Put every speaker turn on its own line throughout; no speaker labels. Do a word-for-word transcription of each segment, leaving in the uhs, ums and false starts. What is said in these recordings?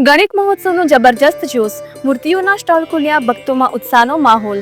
ગણિત મહોત્સવનો જબરજસ્ત જોશ, મૂર્તિઓના સ્ટોલ ખુલ્યા, ભક્તોમાં ઉત્સાહનો માહોલ।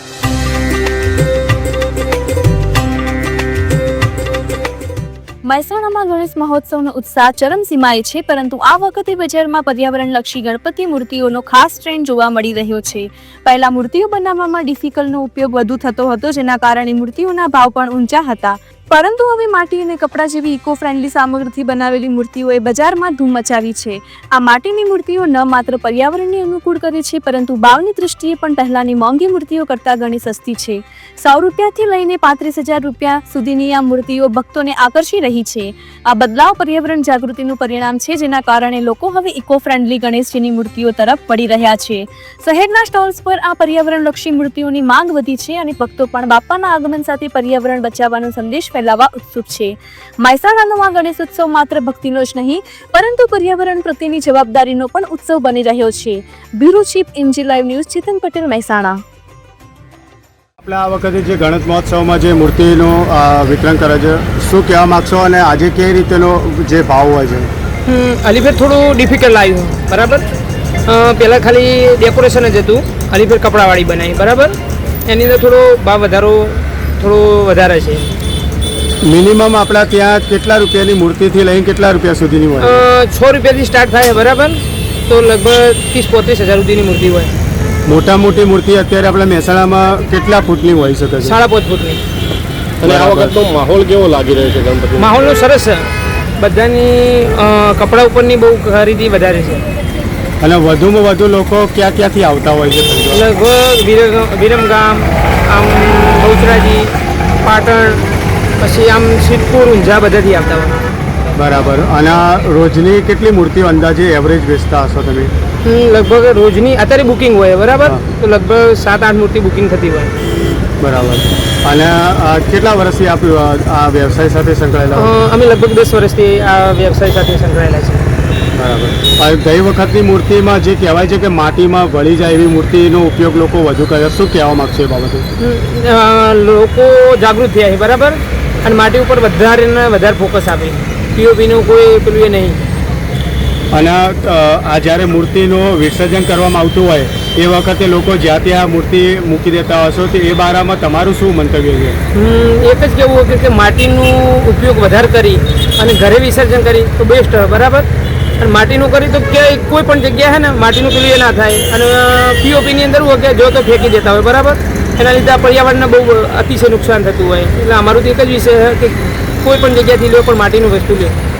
મહેસાણામાં ગણેશ મહોત્સવનો ઉત્સાહ ચરમસીમાએ છે, પરંતુ આ વખતે બજારમાં પર્યાવરણલક્ષી ગણપતિ મૂર્તિઓનો ખાસ ટ્રેન્ડ જોવા મળી રહ્યો છે। પહેલા મૂર્તિઓ બનાવવામાં ડિફિકલનો ઉપયોગ વધુ થતો હતો, જેના કારણે મૂર્તિઓના ભાવ પણ ઊંચા હતા, પરંતુ હવે માટી અને કપડા જેવી ઇકો ફ્રેન્ડલી સામગ્રીથી બનાવેલી મૂર્તિઓએ બજારમાં ધૂમ મચાવી છે। આ માટીની મૂર્તિઓ ન માત્ર પર્યાવરણને અનુકૂળ કરે છે, પરંતુ ભાવની દૃષ્ટિએ પણ પહેલાની મોંઘી મૂર્તિઓ કરતાં ઘણી સસ્તી છે। સો રૂપિયાથી લઈને પાંત્રીસ હજાર રૂપિયા સુધીની આ મૂર્તિઓ ભક્તોને આકર્ષી રહી છે। આ બદલાવ પર્યાવરણ જાગૃતિનું પરિણામ છે, જેના કારણે લોકો હવે ઇકો ફ્રેન્ડલી ગણેશજીની મૂર્તિઓ તરફ વળી રહ્યા છે। શહેરના સ્ટોલ્સ પર આ પર્યાવરણલક્ષી મૂર્તિઓની માંગ વધી છે અને ભક્તો પણ બાપાના આગમન સાથે પર્યાવરણ બચાવવાનો સંદેશ ફેલાવવા ઉત્સુક છે। મહેસાણાનો આ ગણેશ ઉત્સવ માત્ર ભક્તિનો જ નહીં, પરંતુ પર્યાવરણ પ્રત્યેની જવાબદારીનો પણ ઉત્સવ બની રહ્યો છે। Bureau chief MG live news, Chetan Patel, Mehsana.
આપણે આ વખતે જે ગણેશ મહોત્સવમાં જે મૂર્તિનું વિતરણ કરે છે, શું કહેવા માગશો અને આજે કઈ રીતેનો જે ભાવ હોય છે?
અલીફેર થોડું ડિફિકલ્ટ આવ્યું, બરાબર। પહેલાં ખાલી ડેકોરેશન જ હતું, અલીફેર કપડાવાળી બનાવી, બરાબર। એની અંદર થોડો ભાવ વધારો થોડો વધારે છે।
મિનિમમ આપણા ત્યાં કેટલા રૂપિયાની મૂર્તિથી લઈને કેટલા રૂપિયા સુધીની હોય?
છ રૂપિયાથી સ્ટાર્ટ થાય, બરાબર, તો લગભગ ત્રીસ પોત્રીસ હજાર સુધીની મૂર્તિ હોય।
મોટા મોટી મૂર્તિ અત્યારે આપણે મહેસાણામાં કેટલા ફૂટની હોઈ શકે છે?
સાડા પાંચ ફૂટની।
અને આ વખતનો માહોલ કેવો લાગી રહ્યો છે ગણપતિ?
માહોલનો સરસ છે, બધાની કપડા ઉપરની બહુ ખરીદી વધારે છે
અને વધુમાં વધુ લોકો ક્યાં ક્યાંથી આવતા હોય છે?
લગભગ વિરમગામ, આમ બહુચરાજી, પાટણ, પછી આમ સિદ્ધપુર, ઊંઝા બધાથી આવતા હોય।
બરાબર। અને રોજની કેટલી મૂર્તિઓ અંદાજે એવરેજ વેચતા હશો તમે?
લગભગ રોજની અત્યારે બુકિંગ હોય, બરાબર, તો લગભગ સાત આઠ મૂર્તિ બુકિંગ થતી હોય।
બરાબર। અને કેટલા વર્ષથી આપ આ વ્યવસાય સાથે સંકળાયેલા?
અમે લગભગ દસ વર્ષથી આ વ્યવસાય સાથે સંકળાયેલા છે।
બરાબર। ગઈ વખતની મૂર્તિમાં જે કહેવાય છે કે માટીમાં વળી જાય એવી મૂર્તિનો ઉપયોગ લોકો વધુ કરે, શું કહેવા માગશે એ બાબતે?
લોકો જાગૃત થયા છે, બરાબર, અને માટી ઉપર વધારે ને વધારે ફોકસ આપે, પીઓપીનું કોઈ પેલું એ નહીં।
અને આ જ્યારે મૂર્તિનું વિસર્જન કરવામાં આવતું હોય એ વખતે લોકો જ્યાં ત્યાં મૂર્તિ મૂકી દેતા હશો, તો એ બારામાં તમારું શું મંતવ્ય છે?
એક જ કહેવું કે માટીનો ઉપયોગ વધારે કરી અને ઘરે વિસર્જન કરી તો બેસ્ટ, બરાબર, અને માટીનું કરી તો ક્યાંય કોઈ પણ જગ્યાએ છે ને માટીનું પેલું એ ના થાય, અને પીઓપીની અંદર હોય કે જો તો ફેંકી દેતા હોય, બરાબર, એના લીધે પર્યાવરણને બહુ અતિશય નુકસાન થતું હોય। એટલે અમારું તો એક જ વિષય છે કે કોઈ પણ જગ્યાથી લો પણ માટીનું વસ્તુ લે।